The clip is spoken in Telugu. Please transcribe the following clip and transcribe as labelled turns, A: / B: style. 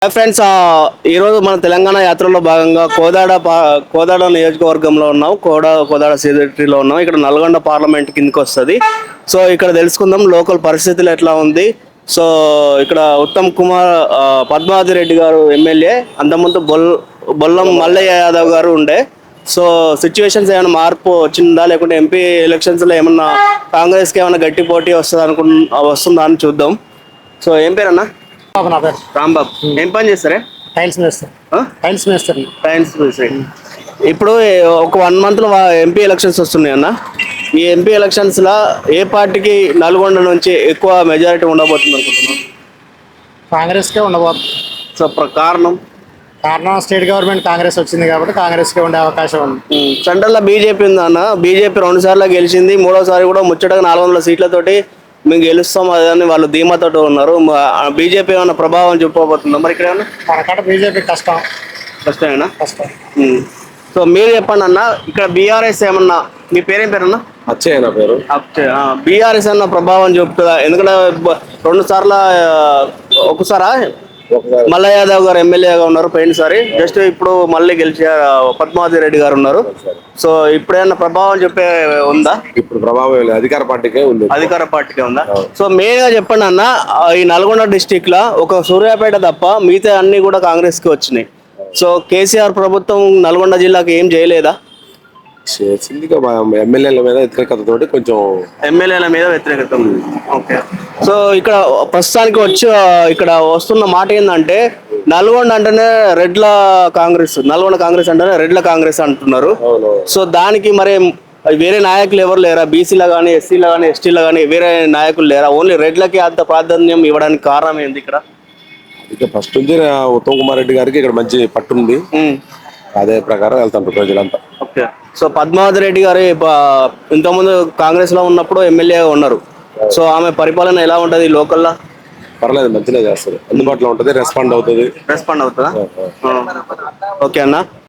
A: హాయ్ ఫ్రెండ్స్, ఈరోజు మన తెలంగాణ యాత్రలో భాగంగా కోదాడ నియోజకవర్గంలో ఉన్నాం. కోదాడ సిటీలో ఉన్నాం. ఇక్కడ నల్గొండ పార్లమెంట్ కిందకి వస్తుంది. సో ఇక్కడ తెలుసుకుందాం లోకల్ పరిస్థితులు ఎట్లా ఉంది. సో ఇక్కడ ఉత్తమ్ కుమార్ పద్మావతి రెడ్డి గారు ఎమ్మెల్యే, అంతకుముందు బొల్లం మల్లయ్య యాదవ్ గారు ఉండే. సో సిచ్యువేషన్స్ ఏమైనా మార్పు వచ్చిందా, లేకుంటే ఎంపీ ఎలక్షన్స్లో ఏమన్నా కాంగ్రెస్కి ఏమైనా గట్టి పోటీ వస్తుందా అని చూద్దాం. సో ఏం పేరన్నా?
B: నా పేరు
A: రాంబాబు. ఏం పని చేస్తారే?
B: టైల్స్ మేస్తారు.
A: టైల్స్ మేస్త్రి. ఇప్పుడు ఒక 1 month లో ఎంపీ ఎలక్షన్స్ వస్తున్నాయి అన్న. ఈ ఎంపీ ఎలక్షన్స్ లా ఏ పార్టీకి నల్గొండ నుంచి ఎక్కువ మెజారిటీ ఉండబోతుంది అనుకుంటున్నాం?
B: కాంగ్రెస్కే ఉండబోతుంది.
A: సో కారణం
B: స్టేట్ గవర్నమెంట్ కాంగ్రెస్ వచ్చింది కాబట్టి కాంగ్రెస్కే ఉండే అవకాశం ఉంది.
A: సెంట్రల్లో బీజేపీ ఉంది అన్న. బీజేపీ 2 సార్లు గెలిచింది. 3వ సారి కూడా ముచ్చటగా 400 సీట్లతోటి మేము గెలుస్తాం అదని వాళ్ళు ధీమాతో ఉన్నారు. బీజేపీ ఏమైనా ప్రభావం చూపబోతుందా మరి ఇక్కడ ఏమన్నా?
B: మనకాడ బీజేపీ
A: కష్టమేనా?
B: కష్టం.
A: సో మీరు చెప్పండి అన్న, ఇక్కడ బీఆర్ఎస్ ఏమన్నా, మీ పేరేం పేరన్నా?
C: అచ్చయ్య నా పేరు.
A: బీఆర్ఎస్ అన్న ప్రభావం చూపుతుందా? ఎందుకంటే 2 సార్లు ఒకసారా మల్లయ్య యాదవ్ గారు ఎమ్మెల్యేగా ఉన్నారు పోయినసారి. జస్ట్ ఇప్పుడు మళ్ళీ గెలిచే పద్మావతి రెడ్డి గారు ఉన్నారు. సో ఇప్పుడేమన్నా ప్రభావం చెప్పే ఉందా?
C: ఇప్పుడు ప్రభావం లేదు, అధికార పార్టీకే ఉంది.
A: సో మెయిన్ గా చెప్పండి అన్న, ఈ నల్గొండ డిస్టిక్ లా ఒక సూర్యాపేట తప్ప మిగతా అన్ని కూడా కాంగ్రెస్ కి వచ్చినాయి. సో కేసీఆర్ ప్రభుత్వం నల్గొండ జిల్లాకి ఏం చేయలేదా?
C: ఎమ్మెల్యేల మీద వ్యతిరేకతతోటి కొంచెం
A: ఎమ్మెల్యేల మీద వ్యతిరేకత. ఓకే. సో ఇక్కడ ప్రస్తుతానికి ఇక్కడ వస్తున్న మాట ఏంటంటే, నల్గొండ అంటేనే నల్గొండ కాంగ్రెస్ అంటేనే రెడ్ల కాంగ్రెస్ అంటున్నారు. సో దానికి మరి వేరే నాయకులు ఎవరు లేరా? బీసీలో కానీ, ఎస్సీలో కానీ, ఎస్టీలో కానీ వేరే నాయకులు లేరా? ఓన్లీ రెడ్లకి అంత ప్రాధాన్యం ఇవ్వడానికి కారణం ఏంది ఇక్కడ?
C: ఇక ఫస్ట్ నుంచి ఉత్తమ్ కుమార్ రెడ్డి గారికి ఇక్కడ మంచి పట్టుంది. అదే ప్రకారం వెళ్తారు ప్రజలంతా.
A: ఓకే. సో పద్మావతి రెడ్డి గారు ఇంతకుముందు కాంగ్రెస్ లో ఉన్నప్పుడు ఎమ్మెల్యేగా ఉన్నారు. సో ఆమె పరిపాలన ఎలా ఉంటది లోకల్లో?
C: పర్లేదు, మంచిగా చేస్తారు. అందుబాటులో ఉంటుంది, రెస్పాండ్ అవుతుందా?
A: ఓకే అన్న.